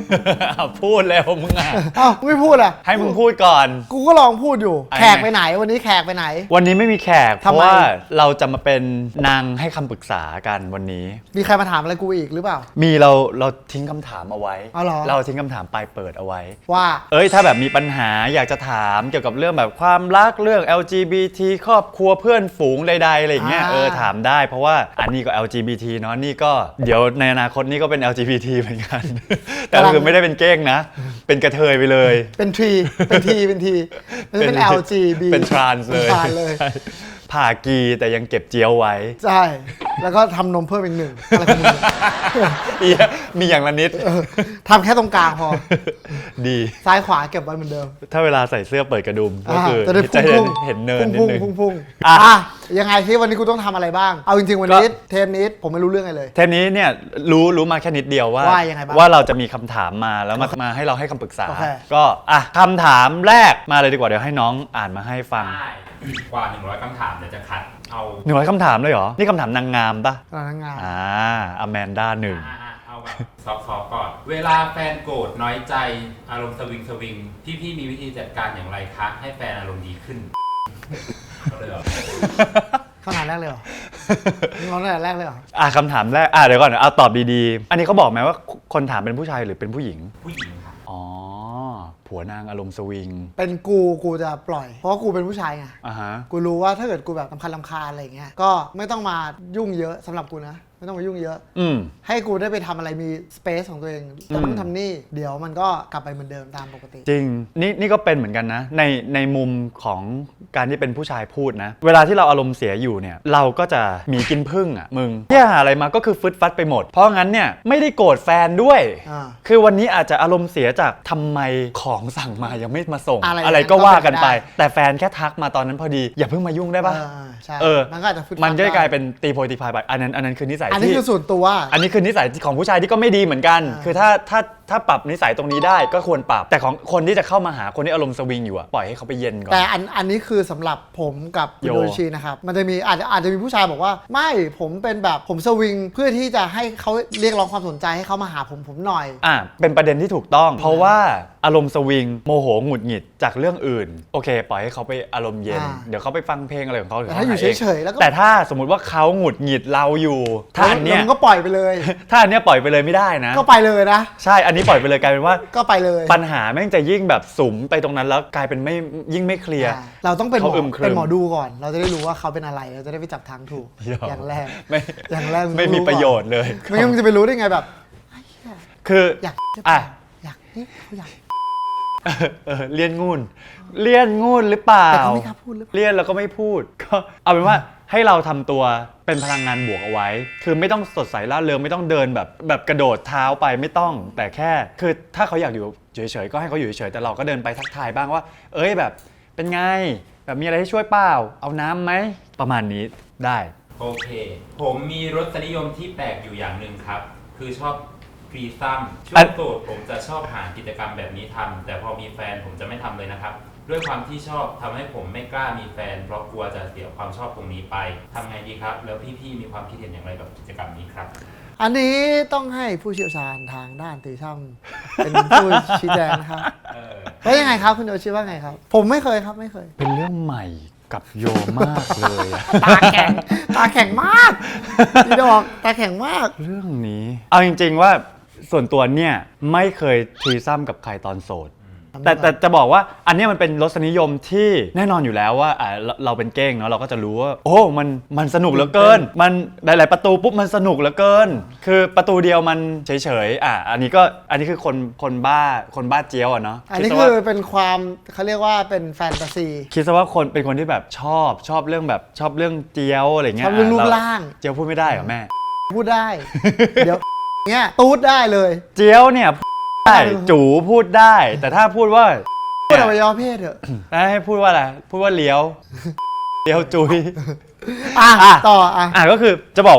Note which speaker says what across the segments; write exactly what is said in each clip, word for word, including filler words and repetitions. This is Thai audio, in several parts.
Speaker 1: พูดแล้วมึงอ่ะ
Speaker 2: อ้าวไม่พูดอ่ะ
Speaker 1: ให้มึงพูดก่อน
Speaker 2: กูก็ลองพูดอยู่แขกไปไหนวันนี้แขกไปไหน
Speaker 1: วันนี้ไม่มีแขกเพราะว่าเราจะมาเป็นนางให้คำปรึกษากันวันนี้
Speaker 2: มีใครมาถามอะไรกูอีกหรือเปล่า
Speaker 1: มีเราเราทิ้งคำถามเอาไว้
Speaker 2: อ๋อเหรอ
Speaker 1: เราทิ้งคำถามปลายเปิดเอาไว้
Speaker 2: ว่า
Speaker 1: เอ้ยถ้าแบบมีปัญหาอยากจะถามเกี่ยวกับเรื่องแบบความรักเรื่อง แอล จี บี ที ครอบครัวเพื่อนฝูงใดๆอะไรอย่างเงี้ยเออถามได้เพราะว่าอันนี้ก็ แอล จี บี ที เนาะนี่ก็เดี๋ยวในอนาคตนี่ก็เป็น แอล จี บี ที เหมือนกันแต่คือไม่ได้เป็นเก้งนะเป็นกระเทยไปเลย
Speaker 2: เป็นทีเป็นทีเป็นทีไม่ใช่เป็น แอล จี บี
Speaker 1: เป็นทรานส์เลยผ่ากีแต่ยังเก็บเจียวไว้
Speaker 2: ใช่แล้วก็ทำนมเพิ่มอีกหนึ่งอะไรของมึง
Speaker 1: มีอย่างละนิด
Speaker 2: ทำแค่ตรงกลางพอ
Speaker 1: ดี
Speaker 2: ซ้ายขวาเก็บไว้เหมือนเดิม
Speaker 1: ถ้าเวลาใส่เสื้อเปิดกระดุมก็คือ
Speaker 2: จะ
Speaker 1: เห็นเนินนิดนึง
Speaker 2: พุ่งๆอ่ะยังไงที่วันนี้กูต้องทำอะไรบ้างเอาจริงๆวันนี้เทปนี้ผมไม่รู้เรื่องอะไรเลย
Speaker 1: เทปนี้เนี่ยรู้รู้มาแค่นิดเดียวว่าว่าเราจะมีคำถามมาแล้วมามาให้เราให้คำปรึกษาก็อ่ะคำถามแรกมาเลยดีกว่าเดี๋ยวให้น้องอ่านมาให้ฟัง
Speaker 3: กว่าหนึ่งร้อยคำถามเดี๋ยวจะคัดเอา
Speaker 1: หนึ่งร้อยคำถามเลยเหรอนี่คำถามนางงามปะ
Speaker 2: นางงาม
Speaker 1: อ่าอแมนด้าหนึ่ง
Speaker 3: เอาแบบซอฟต์ๆก่อนเวลาแฟนโกรธน้อยใจอารมณ์สวิงสวิงพี่พี่มีวิธีจัดการอย่างไรคะให้แฟนอารมณ์ดีขึ้นเลยเหรอ
Speaker 2: คำถามแรกเลยเหรอคำถามแรกเลยเหรอ
Speaker 1: อ่ะคำถามแรกอ่ะเดี๋ยวก่อนเอาตอบดีๆอันนี้เขาบอกไหมว่าคนถามเป็นผู้ชายหรือเป็นผู้หญิง
Speaker 3: ผู้หญิงค่ะ
Speaker 1: อ๋อผัวนางอารมณ์สวิง
Speaker 2: เป็นกูกูจะปล่อยเพราะว่ากูเป็นผู้ชายไง
Speaker 1: อ่าฮะ
Speaker 2: กูรู้ว่าถ้าเกิดกูแบบรำคาญรำคาญอะไรอย่างเงี้ยก็ไม่ต้องมายุ่งเยอะสำหรับกูนะไม่ต้องมายุ่งเยอะ
Speaker 1: อืม
Speaker 2: ให้กูได้ไปทำอะไรมีสเปซของตัวเองทำนู่นทำนี่เดี๋ยวมันก็กลับไปเหมือนเดิมตามปกติ
Speaker 1: จริงนี่นี่ก็เป็นเหมือนกันนะในในมุมของการที่เป็นผู้ชายพูดนะเวลาที่เราอารมณ์เสียอยู่เนี่ยเราก็จะมีกินพึ่งอ่ะมึงที่หาอะไรมาก็คือฟึดฟัดไปหมดเพราะงั้นเนี่ยไม่ได้โกรธแฟนด้วยคือวันนี้อาจจะอารมณ์เสียจากทำไมของสั่งมายังไม่มาส่ง อะไร, อะไรก็ว่ากันไปแต่แฟนแค่ทักมาตอนนั้นพอดีอย่าเพิ่งมายุ่งได้ปะเออมันก็อาจจะมันก็กลายเป็นตีโพยตีพายไปอันนั้นอันนั้นคือนิสัย
Speaker 2: อันนี้คือส่วนตัว
Speaker 1: อันนี้คือนิสัยของผู้ชายที่ก็ไม่ดีเหมือนกันคือถ้าถ้าถ้าปรับนิสัยตรงนี้ได้ก็ควรปรับแต่ของคนที่จะเข้ามาหาคนที่อารมณ์สวิงอยู่อะปล่อยให้เขาไปเย็นก่อน
Speaker 2: แต่อันอันนี้คือสำหรับผมกับโยชินะครับมันจะมีอาจจะอาจจะมีผู้ชายบอกว่าไม่ผมเป็นแบบผมสวิงเพื่อที่จะให้เขาเรียกร้องความสนใจให้เขามาหาผมผมหน่อย
Speaker 1: อ่ะเป็นประเด็นที่ถูกต้องเพราะว่าอารมณ์สวิงโมโหหงุดหงิดจากเรื่องอื่นโอเคปล่อยให้เขาไปอารมณ์เย็นเดี๋ยวเขาไปฟังเพลงอะไรของเขา
Speaker 2: แต่ถ้าอยู่เฉยๆแล้วก็
Speaker 1: แต่ถ้าสมมุติว่าเขาหงุดหงิดเราอยู่ถ้าอันเนี้ย
Speaker 2: ก็ปล่อยไปเลย
Speaker 1: ถ้าอันเนี้ยปล่อยไปเลยไม่ได้นะ
Speaker 2: ก็ไปเลยนะ
Speaker 1: ใช่อันนี้ปล่อยไปเลยกลายเป็นว่า
Speaker 2: ก็ไปเลย
Speaker 1: ปัญหาแม่งจะยิ่งแบบสุมไปตรงนั้นแล้วกลายเป็นไม่ยิ่งไม่เคลียร์
Speaker 2: เราต้องเป็นหมอเป็นหมอดูก่อนเราจะได้รู้ว่าเขาเป็นอะไรเราจะได้ไปจับทางถูกอย่างแรก
Speaker 1: ไม่
Speaker 2: อย่างแรก
Speaker 1: ไม่มีประโยชน์เลย
Speaker 2: ไม่งั้นมึงจะไปรู้ได้ไงแบบ
Speaker 1: คือ
Speaker 2: อยาก
Speaker 1: อ่ะ
Speaker 2: อยากนี่เขาอยาก
Speaker 1: เออเลี่ยนงูนเลี่ยนงูนหรือเปล่า
Speaker 2: แต่เขาไม่กล้าพูดหรือ
Speaker 1: เลี่ยนแล้วก็ไม่พูดก็เอาเป็นว่าให้เราทำตัวเป็นพลังงานบวกเอาไว้คือไม่ต้องสดใสร่าเริงไม่ต้องเดินแบบแบบกระโดดเท้าไปไม่ต้องแต่แค่คือถ้าเขาอยากอยู่เฉยๆก็ให้เขาอยู่เฉยๆแต่เราก็เดินไปทักทายบ้างว่าเอ้ยแบบเป็นไงแบบมีอะไรให้ช่วยเปล่าเอาน้ำไหมประมาณนี้ได้
Speaker 3: โอเคผมมีรสนิยมที่แปลกอยู่อย่างหนึ่งครับคือชอบฟรีซัมช่วงโสดผมจะชอบหากิจกรรมแบบนี้ทำแต่พอมีแฟนผมจะไม่ทำเลยนะครับด้วยความที่ชอบทำให้ผมไม่กล้ามีแฟนเพราะกลัวจะเสียความชอบตรงนี้ไปทำไงดีครับแล้วพี่ๆมีความคิดเห็นอย่างไรกับกิจกรรมนี้ครับ
Speaker 2: อันนี้ต้องให้ผู้เชี่ยวชาญทางด้านตีช่ำเป็นผู้ชี้แจงนะครับแล้วยังไงครับคุณโยชิว่าไงครับผมไม่เคยครับไม่เคย
Speaker 1: เป็นเรื่องใหม่กับโยมากเลย
Speaker 2: ตาแข็งตาแข็งมากพี่ดอกตาแข็งมาก
Speaker 1: เรื่องนี้เอาจริงๆว่าส่วนตัวเนี่ยไม่เคยทีซ้ำกับใครตอนโสดแต่แต่จะบอกว่าอันนี้มันเป็นรสนิยมที่แน่นอนอยู่แล้วว่าอ่าเราเป็นเก้งเนาะเราก็จะรู้ว่าโอ้มันมันสนุกเหลือเกินมันหลายๆประตูปุ๊บมันสนุกเหลือเกินคือประตูเดียวมันเฉยๆอ่ะอันนี้ก็อันนี้คือคนคนบ้าคนบ้าเจี๊ยวอ่ะเนาะ
Speaker 2: อันนี้คือเป็นความเขาเรียกว่าเป็นแฟนตาซี
Speaker 1: คิดซะว่าคนเป็นคนที่แบบชอบชอบเรื่องแบบชอบเรื่องเจี๊ยวอะไรเงี้ย
Speaker 2: ชอบเรื่องรูปร่าง
Speaker 1: เจี๊ยวพูดไม่ได้เหรอแม่
Speaker 2: พูดได้เดี๋ยวเงี้ยตูดได้เลย
Speaker 1: เจี๊ยวเนี่ยได้จูพูดได้แต่ถ้าพูดว่า
Speaker 2: พูดอวัยวะเพศเถอะ
Speaker 1: ให้พูดว่าอะไรพูดว่าเลี้ยวเลี้ยวจุย
Speaker 2: อ่ะต่ออ่ะ
Speaker 1: อ่ะก็คือจะบอกว่า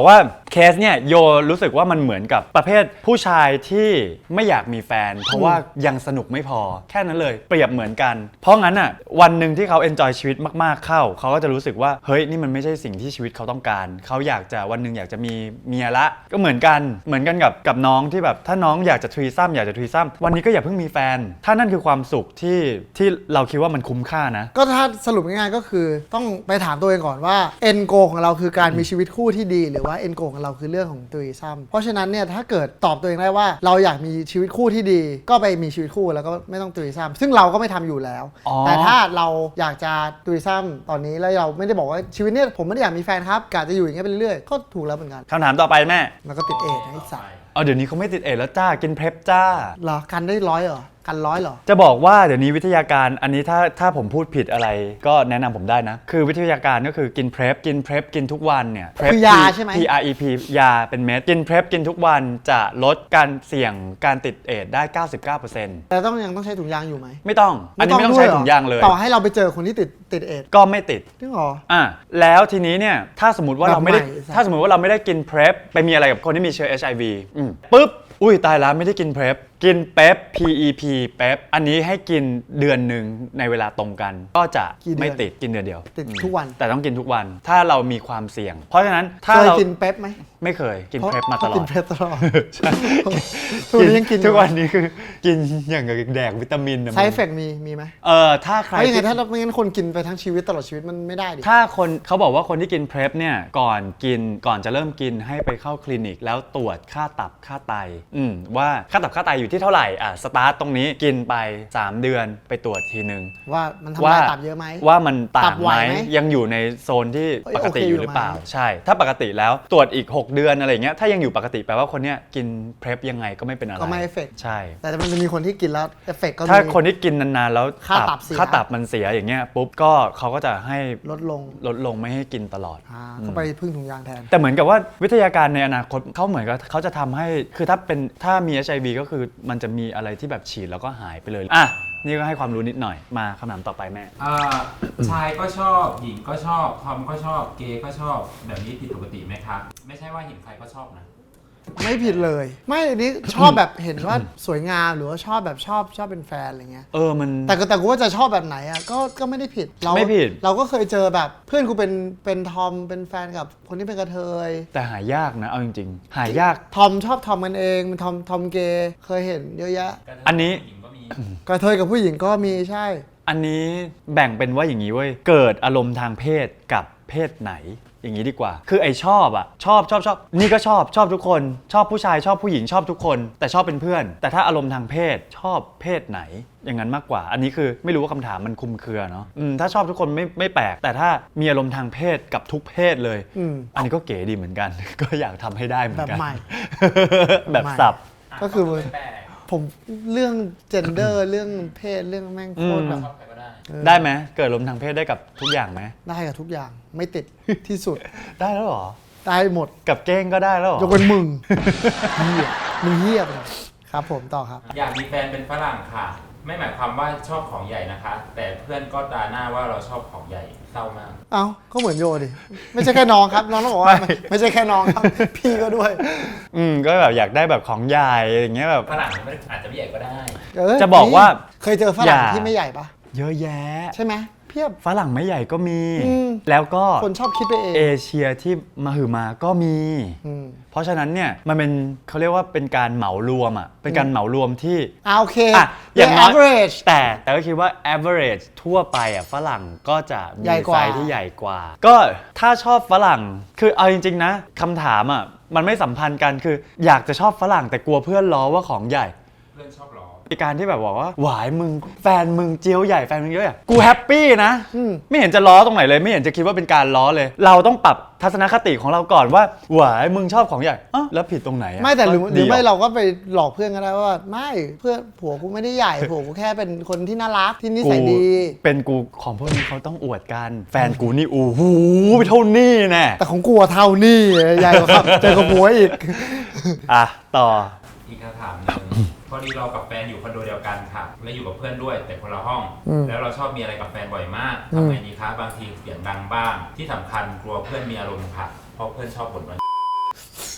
Speaker 1: เคสเนี่ยโยรู้สึกว่ามันเหมือนกับประเภทผู้ชายที่ไม่อยากมีแฟน เพราะว่ายังสนุกไม่พอแค่นั้นเลยเปรียบเหมือนกันเพราะงั้นอ่ะวันหนึ่งที่เขาเอนจอยชีวิตมากๆเข้าเขาก็จะรู้สึกว่าเฮ้ยนี่มันไม่ใช่สิ่งที่ชีวิตเขาต้องการเขาอยากจะวันหนึ่งอยากจะมีเมียละก็เหมือนกันเหมือนกันกับกับน้องที่แบบถ้าน้องอยากจะทรีซัมอยากจะทรีซัมวันนี้ก็อย่าเพิ่งมีแฟนถ้านั่นคือความสุขที่ที่เราคิดว่ามันคุ้มค่านะ
Speaker 2: ก็ถ้าสรุปง่ายๆก็คือต้องไปถามตัวเองก่อนว่าเอ็นโกของเราคือการมีชีวิตคู่ที่ดีหรือว่าเอ็นโกของเราคือเรื่องของทรีซัมเพราะฉะนั้นเนี่ยถ้าเกิดตอบตัวเองได้ว่าเราอยากมีชีวิตคู่ที่ดีก็ไปมีชีวิตคู่แล้วก็ไม่ต้องทรีซัมซึ่งเราก็ไม่ทำอยู่แล้วแต่ถ้าเราอยากจะทรีซัมตอนนี้แล้วเราไม่ได้บอกว่าชีวิตเนี่ยผมไม่ได้อยากมีแฟนครับกะจะอยู่อย่างเงี้ยไปเรื่อยๆก็ถูกแล้วเหมือนกัน
Speaker 1: คำถามต่อไปแม่
Speaker 2: แล้วก็ติดเอดส์นะไอ้สัส
Speaker 1: เอาเดี๋ยวนี้เขาไม่ติดเอดส์แล้วจ้ากินเพลฟจ้า
Speaker 2: เหรอกันได้ร้อยเหรอกันร้อยเหรอ
Speaker 1: จะบอกว่าเดี๋ยวนี้วิทยาการอันนี้ถ้าถ้าผมพูดผิดอะไรก็แนะนำผมได้นะคือวิทยาการก็คือกินเพลฟกินเพลฟกินทุกวันเนี่ย
Speaker 2: คือยาใช่ไหม
Speaker 1: P R E P ยาเป็นเม็ดกินเพลฟกินทุกวันจะลดการเสี่ยงการติดเอดส์ได้ เก้าสิบเก้าเปอร์เซ็นต์
Speaker 2: แต่ต้องยังต้องใช้ถุงยางอยู่ไหม
Speaker 1: ไม่ต้องอันนี้ไม่ต้องใช้ถุงยางเลย
Speaker 2: ต่อให้เราไปเจอคนที่ติดติดเอดส์
Speaker 1: ก็ไม่ติด
Speaker 2: จริงเหรอ
Speaker 1: อ่ะแล้วทีนี้เนี่ยถ้าสมมติว่าเราไม่ได้ถ้าสมมติว่าเราไม่ได้กินเพลฟไปมีอะไรกับคนที่มีเชื้อ เอช ไอ วี อืมปุ๊บอุ้ยตายแล้วไม่ได้กินเพลฟกินเป๊ป พี อี พี เป๊ปอันนี้ให้กินเดือนหนึ่งในเวลาตรงกันก็จะไม่ติดกินเดือนเดียว
Speaker 2: ติดทุกวัน
Speaker 1: แต่ต้องกินทุกวันถ้าเรามีความเสี่ยงเพราะฉะนั้นถ้า
Speaker 2: เรา
Speaker 1: กิ
Speaker 2: นเป๊ปไหม
Speaker 1: ไม่เคยกินเพลฟมาตลอด
Speaker 2: กินเพลฟตลอดใช่ทุกวันนี้ยังกิน
Speaker 1: ทุกวันนี้คือกินอย่างกับแดกวิตามิน
Speaker 2: ไซด์เอฟเฟกต์มีมีไหม
Speaker 1: เออถ้าใคร
Speaker 2: ไม่ยังไงถ้าไม่งั้นคนกินไปทั้งชีวิตตลอดชีวิตมันไม่ได้ดิ
Speaker 1: ถ้าคนเขาบอกว่าคนที่กินเพลฟเนี่ยก่อนกินก่อนจะเริ่มกินให้ไปเข้าคลินิกแล้วตรวจค่าตับค่าไตอืมว่าค่าตับค่าไตอยู่ที่เท่าไหร่อ่ะสตาร์ทตรงนี้กินไปสามเดือนไปตรวจทีนึง
Speaker 2: ว่ามันทำลายตับเยอะไหม
Speaker 1: ว่ามันต่างไหมยังอยู่ในโซนที่ปกติอยู่หรือเปล่าใช่ถ้าปกติแล้วตรวจอีกหกเดือนอะไรเงี้ยถ้ายังอยู่ปกติแปลว่าคนเนี้ยกินเพลฟยังไงก็ไม่เป็นอะไร
Speaker 2: ก็ไม่เอฟเฟกต์
Speaker 1: ใช่
Speaker 2: แต่มันจะมีคนที่กินแล้วเอฟเฟกต์ก็
Speaker 1: ถ้าคนที่กินนานๆแล้ว
Speaker 2: ค่าตับเสีย
Speaker 1: ค่าตับมันเสียอย่างเงี้ยปุ๊บก็เขาก็จะให้
Speaker 2: ลดลง
Speaker 1: ลดลงไม่ให้กินตลอด
Speaker 2: อ่าก็ไปพึ่งถุงยางแทน
Speaker 1: แต่เหมือนกับว่าวิทยาการในอนาคตเขาเหมือนกับเขาจะทำให้คือถ้าเป็นถ้ามี เอช ไอ วี ก็คือมันจะมีอะไรที่แบบฉีดแล้วก็หายไปเลยอ่ะนี่ก็ให้ความรู้นิดหน่อยมาคำถามต่อไปแม่
Speaker 3: อ่าชายก็ชอบหญิงก็ชอบทอมก็ชอบเกย์ก็ชอบแบบนี้ผิดปกติไหมครับไม่ใช่ว่าเห็นใครก็ชอบนะ
Speaker 2: ไม่ผิดเลยไม่อันนี้ชอบแบบเห็นว่าสวยงามหรือว่าชอบแบบชอบชอบเป็นแฟนอะไรเงี้ย
Speaker 1: เออมัน
Speaker 2: แต่ก็แต่กูว่าจะชอบแบบไหนอ่ะก็ก็ไม่ได้ผิด
Speaker 1: เราไม่ผิด
Speaker 2: เราก็เคยเจอแบบเพื่อนกูเป็นเป็นทอมเป็นแฟนกับคนที่เป็นกระเทย
Speaker 1: แต่หายากนะเอาจริงๆหายาก
Speaker 2: ทอมชอบทอมกันเองเป็นทอมทอมเกย์เคยเห็นเยอะแยะ
Speaker 1: อันนี้
Speaker 2: กระเทยกับผู้หญิงก็มีใช่
Speaker 1: อันนี้แบ่งเป็นว่าอย่างนี้เว้ยเกิดอารมณ์ทางเพศกับเพศไหนอย่างนี้ดีกว่าคือไอชอบอ่ะชอบชอบชอบนี่ก็ชอบชอบทุกคนชอบผู้ชายชอบผู้หญิงชอบทุกคนแต่ชอบเป็นเพื่อนแต่ถ้าอารมณ์ทางเพศชอบเพศไหนอย่างนั้นมากกว่าอันนี้คือไม่รู้ว่าคำถามมันคลุมเครือเนาะอืมถ้าชอบทุกคนไม่ไม่แปลกแต่ถ้ามีอารมณ์ทางเพศกับทุกเพศเลยออันนี้ก็เก๋ดีเหมือนกัน ก็อยากทำให้ได้เหมือนกันแบบใหม่แบบสับ
Speaker 2: ก็คือผมเรื่อง gender เรื่องเพศเรื่องแม่งโคตรแบบ
Speaker 1: ได้ไหมเกิดอารมณ์ทางเพศได้กับทุกอย่างไหม
Speaker 2: ได้กับทุกอย่างไม่ติดที่สุด
Speaker 1: ได้แล้วหรอ
Speaker 2: ได้หมด
Speaker 1: กับเก้งก็ได้แล้วหรอย
Speaker 2: กเป็นมึงเหี้ยมึงเหี้ยไปครับผมต่อครับ
Speaker 3: อยากมีแฟนเป็นฝรั่งค่ะไม่หมายความว่าชอบของใหญ่นะคะแต่เพื่อนก็ด่าหน้าว่าเราชอบของใหญ่เศร้ามาก
Speaker 2: เอ้าก็เหมือนโยดิไม่ใช่แค่น้องครับน้องต้องบอกว่าไม่ใช่แค่น้องครับพี่ก็ด้วย
Speaker 1: อืมก็แบบอยากได้แบบของใหญ่อย่างเงี้ยแบบ
Speaker 3: ฝรั่งมันอาจจะไม่ใหญ่ก็ได้
Speaker 1: จะบอกว่า
Speaker 2: เคยเจอฝรั่งที่ไม่ใหญ่ปะ
Speaker 1: เยอะแยะ
Speaker 2: ใช่ไหมเพียบ
Speaker 1: ฝรั่งไม่ใหญ่ก็มีแล้วก็
Speaker 2: คนชอบคิดไปเอง
Speaker 1: เอเชียที่มาหือมาก็มีเพราะฉะนั้นเนี่ยมันเป็นเขาเรียกว่าเป็นการเหมารวมอ่ะเป็นการเหมารวมที่
Speaker 2: อ่าโอเค
Speaker 1: อ่ะอย่างน้อย average แต่แต่ก็คิดว่า average ทั่วไปอ่ะฝรั่งก็จะมีไซส์ที่ใหญ่กว่าก็ถ้าชอบฝรั่งคือเอาจริงๆนะคำถามอ่ะมันไม่สัมพันธ์กันคืออยากจะชอบฝรั่งแต่กลัวเพื่อนล้อว่าของใหญ่
Speaker 3: เพื่อนชอบล้อ
Speaker 1: การที่แบบบอกว่าหวายมึงแฟนมึงเจียวใหญ่แฟนมึงเยอะอ่ะกูแฮปปี้นะไม่เห็นจะล้อตรงไหนเลยไม่เห็นจะคิดว่าเป็นการล้อเลยเราต้องปรับทัศนคติของเราก่อนว่าหวายมึงชอบของใหญ่อ๋อแล้วผิดตรงไหน
Speaker 2: ไม่แต่หรือหรือไม่เราก็ไปหลอกเพื่อนก็ได้ว่าไม่เพื่อนผัวกูไม่ได้ใหญ่ผัวกูแค่เป็นคนที่น่ารักที่นิสัยดี
Speaker 1: เป็นกูของพวกนี้เขาต้องอวดกันแฟนกูนี่โอ้โหไปเท่านี้แน่
Speaker 2: แต่ของกูเท่านี้ใหญ่กว่าเจอกับผัวอีก
Speaker 1: อ่ะต่อ
Speaker 3: อีกคำถามนึงพอดีเรากับแฟนอยู่คอนโดเดียวกันค่ะและอยู่กับเพื่อนด้วยแต่คนละห้องแล้วเราชอบมีอะไรกับแฟนบ่อยมากทำไงดีคะบางทีเสียงดังบ้างที่สำคัญกลัวเพื่อนมีอารมณ์ค่ะเพราะเพื่อนชอบบ่นว่า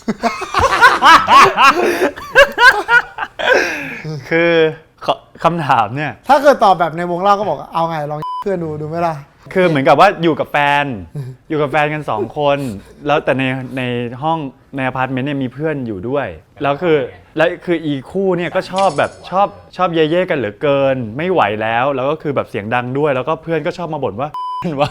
Speaker 1: คือขอคำถามเนี่ย
Speaker 2: ถ้าเกิดตอบแบบในวงเล่าก็บอกเอาไงลองเพื่อนดูดูไหมล่ะ
Speaker 1: คือเหมือนกับว่าอยู่กับแฟน อยู่กับแฟนกันสองคน แล้วแต่ในในห้องในอพาร์ตเมนต์เนี่ยมีเพื่อนอยู่ด้วย แล้วคือแล้วคืออีคู่เนี่ยก็ชอบแบบชอบชอบเย่เย่กันเหลือเกิน ไม่ไหวแล้ว แล้วก็คือแบบเสียงดังด้วย แล้วก็เพื่อนก็ชอบมาบ่นว่า ว่า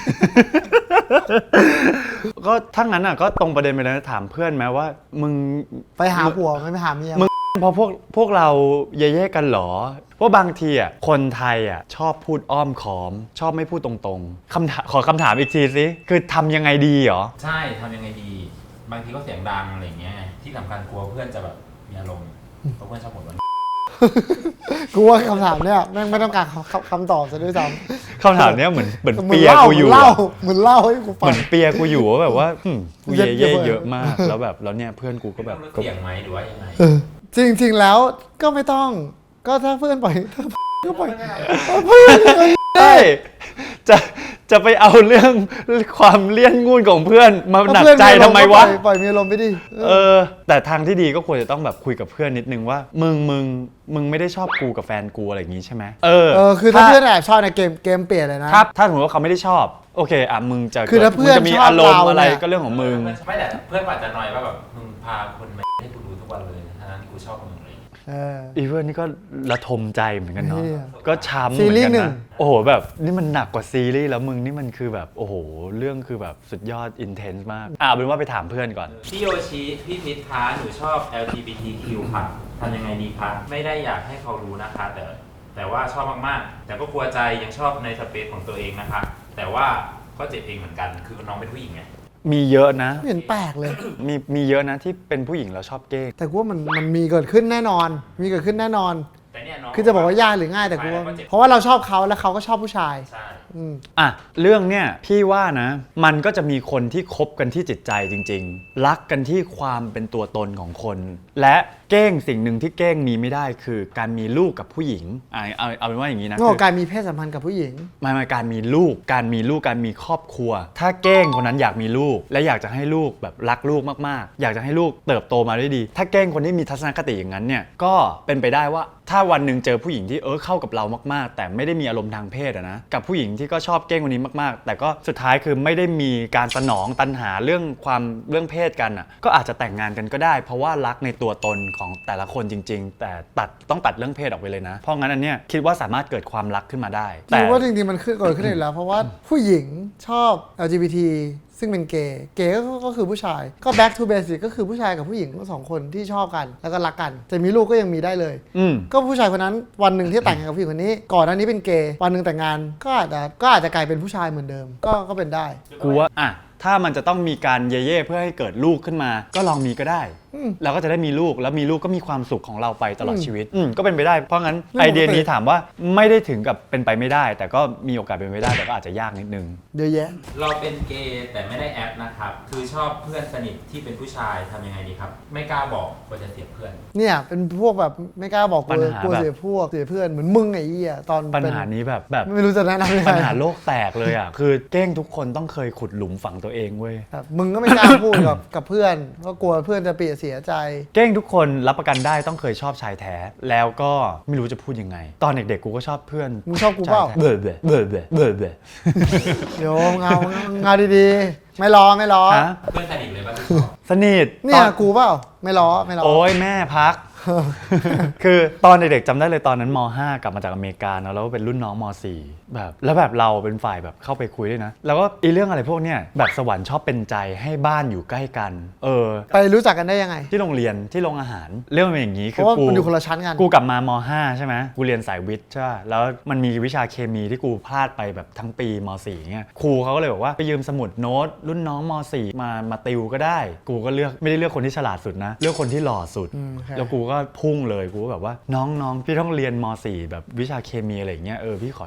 Speaker 1: ก็ทั้งนั้นอ่ะก็ตรงประเด็นไปเลยนะถามเพื่อนไหมว่า มึง
Speaker 2: ไปหาผัวไม่ไปหาเมีย
Speaker 1: มึง เพราะพวกพวกเราเย่ๆกันเหรอ เพราะบางทีอ่ะคนไทยอ่ะชอบพูดอ้อมค้อม ชอบไม่พูดตรงๆคำถามขอคำถามอีกทีสิคือทำยังไงดีเหรอ
Speaker 3: ใช่ทำยังไงดี บางทีก็เสียงดังอะไรเงี้ยที่สำคัญกลัวเพื่อนจะแบบมีอารมณ์เพราะเพื่อนชอบบ่นว่า
Speaker 2: กูว่าคำถามเนี่ยแม่งไม่ต้องการคำคำตอบซะด้วยซ้ำ
Speaker 1: คำถามเนี้ยเหมือนเหมือน
Speaker 2: เหมือน
Speaker 1: เปีย
Speaker 2: เล่า
Speaker 1: กูอยู่
Speaker 2: เหมือนเล่า
Speaker 1: อะ
Speaker 2: เหมือนเล่าให้กูฟั
Speaker 1: เหมื
Speaker 2: ง
Speaker 1: อนเปียกูอยู่ว่าแบบว่าหึกู
Speaker 2: เย็
Speaker 1: เย่
Speaker 2: ด
Speaker 1: ๆ
Speaker 2: เยอะ
Speaker 1: เยอะมากแล้วแบบแล้วเนี่ยเพื่อนกูก็แบบ
Speaker 3: ต้องลดเสียงไหมหรือว่ายังไง
Speaker 2: เออจริงๆแล้วก็ไม่ต้องก็ถ้าเพื่อนปล่อยก็ปล่อย
Speaker 1: ใช่จะจะไปเอาเรื่องความเลี่ยนงูนของเพื่อนมาหนักใจทำไมวะ
Speaker 2: ปล่อยปล่อยมีอารมณ์ไปดิ
Speaker 1: เออ แต่ทางที่ดีก็ควรจะต้องแบบคุยกับเพื่อนนิดนึงว่า มึงมึงมึงไม่ได้ชอบกูกับแฟนกูอะไรอย่างงี้ใช่ไหมเออ
Speaker 2: เออคือถ้าเพื่อนแอบชอบในเกมเกมเปลี่ยนเลยนะครับ
Speaker 1: ถ้าสมมติว่าเขาไม่ได้ชอบ โอเคอ่ะมึงจะ
Speaker 2: คือถ้าเพื่อน
Speaker 1: มึงจะมี
Speaker 2: ชอบ
Speaker 1: อารมณ์
Speaker 2: เรา
Speaker 1: อะไร
Speaker 2: เนี่ย
Speaker 1: ก็เรื่องของมึง
Speaker 3: ไม่แต่เพื่อนอาจจะน้อยว่าแบบมึงพาคนมาให้กูดูทุกวันเลยทั้งที่กูชอบมึงเลย
Speaker 2: เออ
Speaker 1: อีเพื่อนนี่ก็ระทมใจเหมือนกันเนาะ
Speaker 2: เหี้ย
Speaker 1: ก็ช้ำเห
Speaker 2: ซี
Speaker 1: มือน
Speaker 2: รีส์
Speaker 1: กัน
Speaker 2: หนึ่ง
Speaker 1: นะโอ้โหแบบนี่มันหนักกว่าซีรีส์แล้วมึงนี่มันคือแบบโอ้โหเรื่องคือแบบสุดยอดอินเทนส์มากอ่ะเอาเป็นว่าไปถามเพื่อนก่อน
Speaker 3: พี่โยชิพี่พิษคะหนูชอบ แอล จี บี ที คิว ค่ะทำยังไงดีคะไม่ได้อยากให้เขารู้นะคะ แต่แต่ว่าชอบมากๆ แต่ก็กลัวใจยังชอบในสเปซของตัวเองนะคะ แต่ว่าก็เจ็บเองเหมือนกันคือน้องเป็นผู้หญิงไง
Speaker 1: มีเยอะนะ
Speaker 2: ไม่เห็นแปลกเลย
Speaker 1: มีมีเยอะนะที่เป็นผู้หญิงแล้วชอบเก้ง
Speaker 2: แต่กูว่ามันมันมีเกิดขึ้นแน่นอน มีเกิดขึ้นแน่นอน
Speaker 3: แต่เนี่ยน้อง
Speaker 2: คือจะบอกว่ายากหรือง่ายแต่กูว่า
Speaker 3: ก็เจ็บ
Speaker 2: เพราะว่าเราชอบเขาแล้วเขาก็ชอบผู้ชาย
Speaker 3: ใช่
Speaker 2: อืม
Speaker 1: อ่ะเรื่องเนี้ยพี่ว่านะมันก็จะมีคนที่คบกันที่จิตใจจริง ๆ รักกันที่ความเป็นตัวตนของคน และเก้งสิ่งหนึ่งที่เก้งมีไม่ได้คือการมีลูกกับผู้หญิงอ่ะเอาเอาเป็นว่าอย่างนี้นะ
Speaker 2: โง่
Speaker 1: คือ
Speaker 2: การมีเพศสัมพันธ์กับผู้หญิง
Speaker 1: ไม่ไม่การมีลูก การมีลูก การมีครอบครัว ถ้าเก้งคนนั้นอยากมีลูก และอยากจะให้ลูกแบบรักลูกมากๆ อยากจะให้ลูกเติบโตมาได้ดี ถ้าเก้งคนที่มีทัศนคติอย่างนั้นเนี่ย ก็เป็นไปได้ว่าถ้าวันหนึ่งเจอผู้หญิงที่เออเข้ากับเรามากๆ แต่ไม่ได้มีอารมณ์ทางเพศอะนะ กับผู้หญิงที่ก็ชอบเก้งคนนี้มากๆ แต่ก็สุดท้ายคือไม่ได้มีการสนองตัณหาเรื่องความเรื่องเพศกันอะก็อาจจะแต่งงานกันก็ได้ เพราะว่ารักในตัวตนของแต่ละคนจริง ๆ แต่ตัดต้องตัดเรื่องเพศออกไปเลยนะ เพราะงั้นอันเนี้ยคิดว่าสามารถเกิดความรักขึ้นมาได้
Speaker 2: แต่ว่าจริงๆมันขึ้นเกิดขึ้นอยู่แล้ว เพราะว่าผู้หญิงชอบ แอล จี บี ที ซึ่งเป็นเกย์เกย์ก็ก็คือผู้ชายก็ back to basic ก็คือผู้ชายกับผู้หญิงทั้งสองคนที่ชอบกันแล้วก็รักกันจะมีลูกก็ยังมีได้เลย
Speaker 1: อืม
Speaker 2: ก็ผู้ชายคนนั้นวันหนึ่งที่แต่งงานกับผู้หญิงคนนี้ ก่อนหน้านี้เป็นเกย์วันหนึ่งแต่งงานก็อาจจะก็อาจจะกลายเป็นผู้ชายเหมือนเดิม ก็ก็เป็นได้
Speaker 1: กูว่าอ่ะถ้ามันจะต้องมีการเย่ๆเพื่อให้เกิดลูกขึ้นมา ก็ลองมีก็ได้
Speaker 2: อืม
Speaker 1: เราก็จะได้มีลูกแล้วมีลูกก็มีความสุขของเราไปตลอด
Speaker 2: อืม
Speaker 1: ชีวิตอืมก็เป็นไปได้เพราะงั้น
Speaker 2: เรื่อง
Speaker 1: ไอ
Speaker 2: ปกติ
Speaker 1: เดียนี้ถามว่าไม่ได้ถึงกับเป็นไปไม่ได้ แต่ก็มีโอกาสเป็นไปได้แต่ก็อาจจะยากนิดนึง
Speaker 2: เยอะแยะ
Speaker 3: เราเป็นเกย์แต่ไม่ได้แอปนะครับ คือชอบเพื่อนสนิทที่เป็นผู้ชายทำยังไงดีครับ ไม่กล้าบอกว่าจะเสียเพื่อน
Speaker 2: เนี่ยเป็นพวกแบบไม่กล้าบอก
Speaker 1: ปัญ
Speaker 2: กลัว
Speaker 1: หาก
Speaker 2: ลัว
Speaker 1: แบบ
Speaker 2: เสียพวกเสียเพื่อนเหมือนมึงไอ้เหี้ยตอน
Speaker 1: ปัญ
Speaker 2: เป็น
Speaker 1: หานี้แบบแบบ
Speaker 2: ไม่รู้จะแนะนำยังไง
Speaker 1: ปัญหาโลกแตกเลยอ่ะคือเก้งทุกคนต้องเคยขุดหลุมฝังตัวเองเว้ย
Speaker 2: แบบมึงก็ไม่กล้าพูดกับกับเพื่อนเพราะกลัวเพื่อนจะเปลียเสียใจ
Speaker 1: เก้งทุกคนรับประกันได้ต้องเคยชอบชายแท้ แล้วก็ไม่รู้จะพูดยังไง ตอนเด็กๆกูก็ชอบเพื่อน
Speaker 2: มึงชอบกูเปล่า
Speaker 1: ชยแท้เบื่อเบื่อเบื่อเบื่อเบื่อเบื่อ
Speaker 2: เดี๋ยวเงาเงาดีๆ ไม่ล้อไม่ล้อ
Speaker 1: ฮะ
Speaker 3: เพื่อนสนิทเลยป่ะที่ชอบ
Speaker 1: สนิท
Speaker 2: เนี่ย
Speaker 1: ตอ
Speaker 2: กูเปล่าไม่ล้อไม่ล้อ
Speaker 1: โอ้ยแม่พัก คือตอนเด็กๆจำได้เลยตอนนั้นม ห้ากลับมาจากอเมริกาเนอะแล้วก็เป็นรุ่นน้องม สี่แบบแล้วแบบเราเป็นฝ่ายแบบเข้าไปคุยด้วยนะ แล้วก็อีเรื่องอะไรพวกเนี้ยแบบสวรรค์ชอบเป็นใจให้บ้านอยู่ใกล้กัน เออ
Speaker 2: ไปรู้จักกันได้ยังไง
Speaker 1: ที่โรงเรียนที่โรงอาหาร เรื่องมันเป็นอย่างนี้
Speaker 2: เพ
Speaker 1: คือ
Speaker 2: ราะว่า
Speaker 1: กู
Speaker 2: มันอยู่คนละชั้นกัน
Speaker 1: กูกลับมาม ห้าใช่ไหมกูเรียนสายวิทย์ใช่ป่ะแล้วมันมีวิชาเคมีที่กูพลาดไปแบบทั้งปีม สี่เงี้ยครูเขาก็เลยบอกว่าไปยืมสมุดโน้ตรุ่นน้องม สี่มามาติวก็ได้ กูก็เลือกไม่ได้เลือกคนที่ฉลาดสุดนะเลือกคนที่หล่อสุด
Speaker 2: อืมโอเค
Speaker 1: แล้วกูก็พุ่งเลยกูก็แบบว่าน้องน้องพี่ต้องเรียนม สี่แบบวิชาเคมีอะไรอย่างเงี้ยเออพี่ขอยืม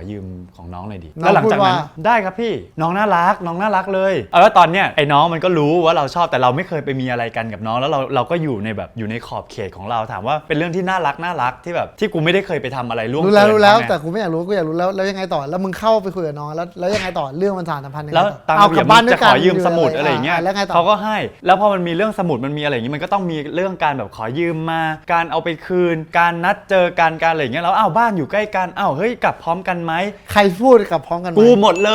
Speaker 1: ของน้องหน่อยดิ
Speaker 2: น้อง
Speaker 1: แล้วหลังจากนั้น
Speaker 2: พูดว่า
Speaker 1: ได้ครับพี่น้องน่ารักน้องน่ารักเลยเอาแล้วตอนเนี้ยไอ้น้องมันก็รู้ว่าเราชอบแต่เราไม่เคยไปมีอะไรกันกับน้องแล้วเราเราก็อยู่ในแบบอยู่ในขอบเขตของเราถามว่าเป็นเรื่องที่น่ารักน่ารักที่แบบที่กูไม่ได้เคยไปทำอะไรล่วง
Speaker 2: รู้แล้ว
Speaker 1: เกิน
Speaker 2: รู้แล้ว
Speaker 1: เขาไง
Speaker 2: แต่กูไม่อยากรู้กูอยากรู้แล้วแล้วยังไงต่อแล้วมึงเข้าไปคุยกับน้องแล้วแล้วยังไงต่อเรื่องมันสานสัมพันธ์ยังไง
Speaker 1: แล้ว
Speaker 2: ต่อ
Speaker 1: ตาม
Speaker 2: เอา
Speaker 1: ระเบี
Speaker 2: ก
Speaker 1: ย
Speaker 2: ลั
Speaker 1: บบ
Speaker 2: บ้าน
Speaker 1: มึง
Speaker 2: ด้ว
Speaker 1: จะ
Speaker 2: ยกั
Speaker 1: ข
Speaker 2: น
Speaker 1: อยืมสมุดอะไรอย่างเงี้ย
Speaker 2: แล้วไงต่อ
Speaker 1: เขาก็ให้ แล้วพอมันมีเรื่องสมุดมันมีอะไรอย่างงี้มันก็ต้องมีเรื่องการแบบขอยืมมาการเอาไปคืน การนัดเจอกันการอะไรอย่างเงี้ยแล้วอ้าวบ้านอยู่ใกล้กันอ้าวเฮ้ยกลับพร้อมกันไหม
Speaker 2: ใครพูดกลับพร้อมกันไหม
Speaker 1: กูหมดเลย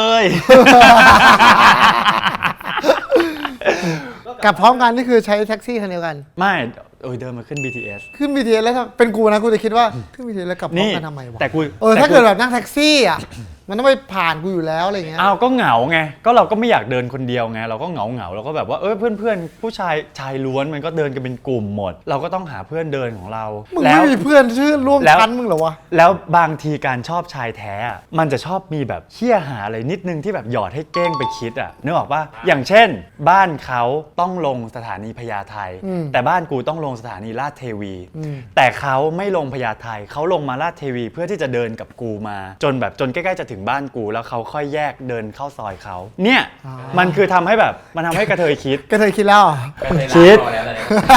Speaker 2: กลับพร้อมกันนี่คือใช้แท็กซี่คันเดียวกัน
Speaker 1: ไม่เออเดินมาขึ้น บี ที เอส
Speaker 2: ขึ้น บี ที เอส แล้วถ้าเป็นกูนะกูจะคิดว่าขึ้น บี ที เอส แล้วกลับพร้อม
Speaker 1: นี่
Speaker 2: กันทำไมวะ
Speaker 1: แต่กู
Speaker 2: เออ
Speaker 1: แต่
Speaker 2: ถ้าเกิดแบบนั่งแท็กซี่อ่ะ มันต้องไปผ่านกูอยู่แล้วอะไรเงี้ย
Speaker 1: อ้าวก็เหงาไงก็เราก็ไม่อยากเดินคนเดียวไงเราก็เหงาเหงาเราก็แบบว่าเออเพื่อนเพื่อนๆผู้ชายชายล้วนมันก็เดินกันเป็นกลุ่มหมด เราก็ต้องหาเพื่อนเดินของเรา
Speaker 2: มึง
Speaker 1: แล้
Speaker 2: ไม่
Speaker 1: ว
Speaker 2: มีเพื่อนชื่อร่วม
Speaker 1: แล้ว
Speaker 2: ชั้นมึงเหรอวะ
Speaker 1: แล้วบางทีการชอบชายแท้อะมันจะชอบมีแบบเหี้ยหาอะไรนิดนึงที่แบบหยอดให้เก้งไปคิดอ่ะนึกออกปะอย่างเช่น บ้านเขาต้องลงสถานีพญาไท
Speaker 2: อืม
Speaker 1: แต่บ้านกูต้องลงสถานีลาดเทวี
Speaker 2: อืม
Speaker 1: แต่เขาไม่ลงพญาไทเขาลงมาลาดเทวีเพื่อที่จะเดินกับกูมา จนแบบจนใกล้ๆจะถึงบ้านกูแล้วเขาค่อยแยกเดินเข้าซอยเขาเนี่ย
Speaker 2: อ๋อ
Speaker 1: มันคือทำให้แบบมันทำให้กระเทยคิด
Speaker 2: ก็เคยคิดแล้วเหรอ
Speaker 3: ก็เลย
Speaker 1: คิด
Speaker 3: ล้างรอแล้วเลย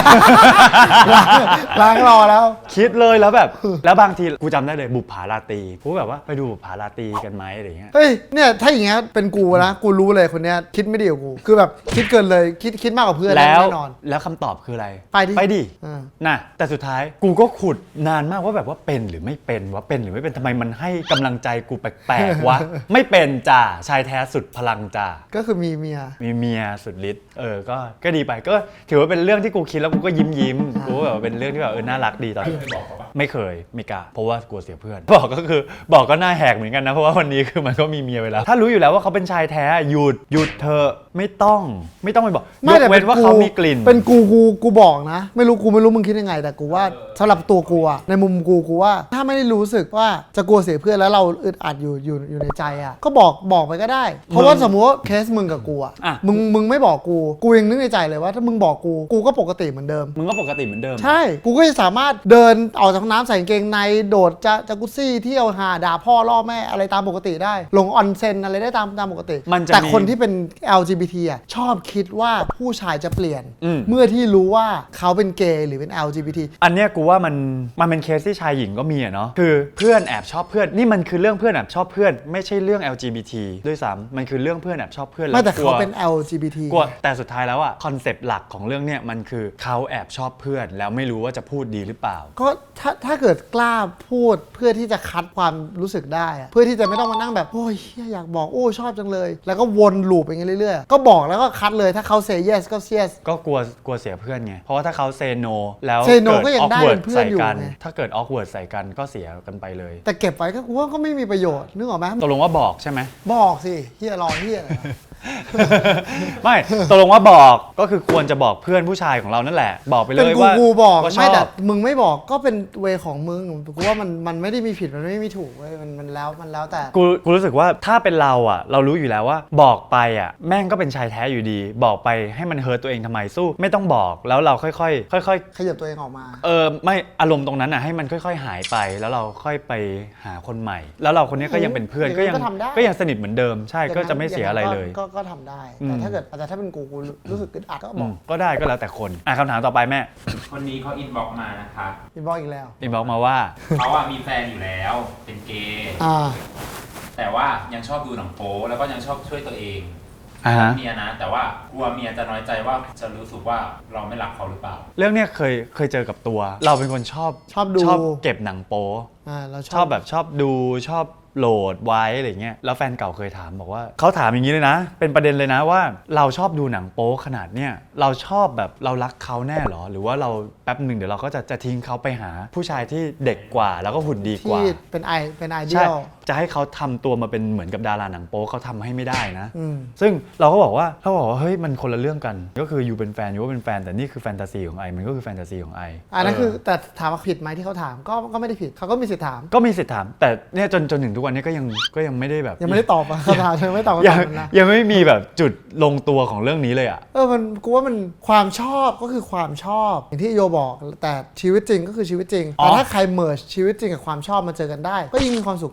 Speaker 2: ล้างรอแล้ว
Speaker 1: คิดเลยแล้วแบบ แล้วบางทีกูจำได้เลยบุปผาราตรีกูแบบว่าไปดูบุปผาราตรีกันไหมอะไรเงี้ย
Speaker 2: เฮ้ยเนี่ยถ้าอย่างเงี้ยเป็นกูนะกูรู้เลยคนเนี้ยคิดไม่ดีกว่ากูคือแบบคิดเกินเลยคิดคิดมากกว่าเพื่อน
Speaker 1: แล้ว
Speaker 2: แน่นอน
Speaker 1: แล้วคำตอบคืออะไร
Speaker 2: ไปดิ
Speaker 1: ไปดิ
Speaker 2: อ่า
Speaker 1: น่ะแต่สุดท้ายกูก็ขุดนานมากว่าแบบว่าเป็นหรือไม่เป็นว่าเป็นหรือไม่เป็นทำไมมันให้กำลังใจกูแปลกๆวะ ไม่เป็นจ้าชายแท้สุดพลังจ้า
Speaker 2: ก็คือมีเมีย
Speaker 1: มีเมียสุดฤทธิ์เออก็ก็ดีไปก็ถือว่าเป็นเรื่องที่กูคิดแล้วกูก็ยิ้มยิ้มๆกูก็แบบว่าเป็นเรื่องที่แบบเออน่ารักดีตอน
Speaker 3: เคยบอกเขาปะ
Speaker 1: ไม่เคยไม่กล้าเพราะว่ากลัวเสียเพื่อน บอกก็คือบอกก็หน้าแหกเหมือนกันนะเพราะว่าวันนี้คือมันก็มีเมียไปแล้ว ถ้ารู้อยู่แล้วว่าเขาเป็นชายแท้หยุดหยุดเธอะไม่ต้องไม่ต้องไปบอกยกเว้นว่าเขามีกลิ่น
Speaker 2: เป็นกูกูกูบอกนะ ไม่รู้กูไม่รู้มึงคิดยังไง แต่กูว่าสำหรับตัวกูอะในมุมกูกูว่า ถ้าไม่ได้รู้สึกว่าจะกลัวเสียเพื่อนแล้วเราอึดอัดอยู่อยู่อยู่ในใจอะก็บอกบอกไปก็ได้ เพราะว่าสมมติว่าเคสมึงกับกูอะ
Speaker 1: อ่ะ
Speaker 2: มึงมึงไม่บอกกูกูยังนึกในใจเลยว่าถ้ามึงบอกกูกูก็ปกติเหมือนเดิม
Speaker 1: มึงก็ปกติเหมือนเดิม
Speaker 2: ใช่ กูก็จะสามารถเดินออกจากห้องน้ำใส่กางเกงในโดดจะจากุซซี่เที่ยวหาด่าพ่อล่อแม่อะไรตามปกติได้ ลงออนเซ็นอะไรได้ตามตามปกติ
Speaker 1: มันจะ
Speaker 2: แต่
Speaker 1: มี
Speaker 2: คนที่เป็น แอล จี บี ที อ่ะชอบคิดว่าผู้ชายจะเปลี่ยน
Speaker 1: อืม
Speaker 2: เมื่อที่รู้ว่าเขาเป็นเกย์หรือเป็น แอล จี บี ที
Speaker 1: อันเนี้ยกูว่ามันมันเป็นเคสที่ชายหญิงก็มีอะเนาะคือเพื่อนแอบชอบเพื่อนนี่มันคือเรื่องเพื่อนแอบชอบเพื่อนไม่ใช่เรื่อง แอล จี บี ที ด้วยซ้ำมันคือเรื่องเพื่อนแอบชอบเพื่อน
Speaker 2: ไม่แต่
Speaker 1: กลั
Speaker 2: เขา
Speaker 1: ว
Speaker 2: เป็น แอล จี บี ที
Speaker 1: กลัวแต่สุดท้ายแล้วอะคอนเซปต์หลักของเรื่องเนี้ยมันคือเขาแอบชอบเพื่อนแล้วไม่รู้ว่าจะพูดดีหรือเปล่า
Speaker 2: ก็ถ้าถ้าเกิดกล้าพูดเพื่อที่จะคัดความรู้สึกได้อะเพื่อที่จะไม่ต้องมานั่งแบบโอ้ยเหี้ยอยากบอกโอ้ชอบจังเลย แล้วก็วนลูปอย่างเงี้ยเรื่อยๆก็บอกแล้วก็คัดเลยถ้าเขา say yes ก็ yes
Speaker 1: ก็กลัวกลัวเสียเพื่อนไง เพราะว่าถ้าเขาเซโนแล้ว
Speaker 2: say no
Speaker 1: เกิด
Speaker 2: ก็ยังได้
Speaker 1: awkward
Speaker 2: เป็นเพื่อนอยู่
Speaker 1: ใส่กัน
Speaker 2: ไง
Speaker 1: ถ้าเกิด awkward ใส่กันก็เสียกันไปเลย
Speaker 2: แต่เก็บไว้ก็กูว่าก็ไม่มีประโยชน์นึกออกไหม
Speaker 1: ตกลงว่าบอกใช่ไหม
Speaker 2: บอกสิเฮียรอเฮียอะไรวะ
Speaker 1: ไม่ตกลงว่าบอกก็คือควรจะบอกเพื่อนผู้ชายของเรานั่นแหละ บอกไปเล
Speaker 2: เป็น
Speaker 1: ย
Speaker 2: กู
Speaker 1: ว่า
Speaker 2: กูบอก
Speaker 1: ว่าช
Speaker 2: ไม่
Speaker 1: อ
Speaker 2: แต่
Speaker 1: บ
Speaker 2: มึงไม่บอกก็เป็นเวของมึงกูว่ามันมันไม่ได้มีผิดมันไม่มีถูกเว้ยมันมันแล้วมันแล้วแต่
Speaker 1: กูกูรู้สึกว่าถ้าเป็นเราอ่ะ เรารู้อยู่แล้วว่าบอกไปอ่ะแม่งก็เป็นชายแท้อยู่ดี บอกไปให้มันเฮิร์ตตัวเองทำไมสู้ ไม่ต้องบอกแล้วเราค่อยๆค่อย
Speaker 2: ขยับตัวเองออกมา
Speaker 1: ๆเออไม่อารมณ์ตรงนั้นอ่ะให้มันค่อย ๆ หายไป แล้วเราค่อยไปหาคนใหม่ แล้วเราคนนี้ก็ยังเป็นเพื่อน
Speaker 2: อย่าง
Speaker 1: ก็
Speaker 2: นั้น
Speaker 1: ยัง
Speaker 2: ก็ทำได้
Speaker 1: ก็ยังสนิทเหมือนเดิมใช่ก็จะไม่เสียอะไรเลย
Speaker 2: ก็ก็ทำได้
Speaker 1: อืม
Speaker 2: แต่ถ้าเกิดแต่ถ้าเป็นกูกูรู้สึกอึดอัดก็
Speaker 1: อื
Speaker 2: บอก
Speaker 1: มก็ได้ก็แล้วแต่คนอ่ะคำถามต่อไปแม่
Speaker 3: คนนี้เขาอินบ็อกมานะคะ
Speaker 2: พี่บอกอีกแล้ว
Speaker 1: อินบอกมาว่า
Speaker 3: เขาอะมีแฟนอยู่แล้ว เป็นเกย์
Speaker 2: อ่า
Speaker 3: แต่ว่ายังชอบดูหนังโป๊แล้วก็ยังชอบช่วยตัวเอง
Speaker 1: อ่าฮะ
Speaker 3: เมียนะ แต่ว่ากลัวเมียจะน้อยใจว่าจะรู้สึกว่าเราไม่รักเขาหรือเปล่า
Speaker 1: เรื่องเนี้ยเคยเคยเจอกับตัว เราเป็นคนชอบ
Speaker 2: ชอบดู
Speaker 1: ชอบเก็บหนังโป๊
Speaker 2: อ่าเราช
Speaker 1: ชอบแบบชอบดูชอบโหลดไว้อะไรเงี้ยแล้วแฟนเก่าเคยถามบอกว่าเขาถามอย่างนี้เลยนะ เป็นประเด็นเลยนะว่าเราชอบดูหนังโป๊ขนาดเนี้ยเราชอบแบบเรารักเขาแน่หรอ หรือว่าเราแป๊บหนึ่งเดี๋ยวเราก็จะจะทิ้งเขาไปหาผู้ชายที่เด็กกว่าแล้วก็หุ่นดีกว่า
Speaker 2: ที่เป็นไอเป็นไอเดี
Speaker 1: ใช่
Speaker 2: ยล
Speaker 1: จะให้เขาทำตัวมาเป็นเหมือนกับดาราหนังโป๊เขาทำให้ไม่ได้นะ
Speaker 2: อืม
Speaker 1: ซึ่งเราก็บอกว่าเราบอกว่าเฮ้ยมันคนละเรื่องกัน ก็คืออยู่เป็นแฟนอยู่ว่าเป็นแฟนแต่นี่คือแฟนตาซีของไอมันก็คือแฟนตาซีของไอ
Speaker 2: อันนั้น
Speaker 1: เ
Speaker 2: คือแต่ถามว่าผิดไหมที่เขาถามก็ก็ไม่ได้ผิดเขาก็มีสิทธิ์ถาม
Speaker 1: ก็มีสิทธิ์ถาม แต่เนี่ยจนจนถึงทุกวันนี้ก็ยังก็ยังไม่ได้แบบ
Speaker 2: ยังไม่ได้ตอบอ่ะเขาถามยังไม่ตอบ
Speaker 1: ยั
Speaker 2: คำ
Speaker 1: ง
Speaker 2: ถามนั้นนะ
Speaker 1: ยังไม่มีแบบจุดลงตัวของเรื่องนี้เลยอ่ะ
Speaker 2: เออมันกูว่ามันความชอบก็คือความชอบอย่างที่โยบอกแต่ชีวิตจริงก็คือชีวิตจริง
Speaker 1: อ๋อ
Speaker 2: แต่ถ้าใครเมิร์ชีวิตจริงกับความชอบมาเจอกันได้ ก็ยิ่งมีความสุขมากขึ้น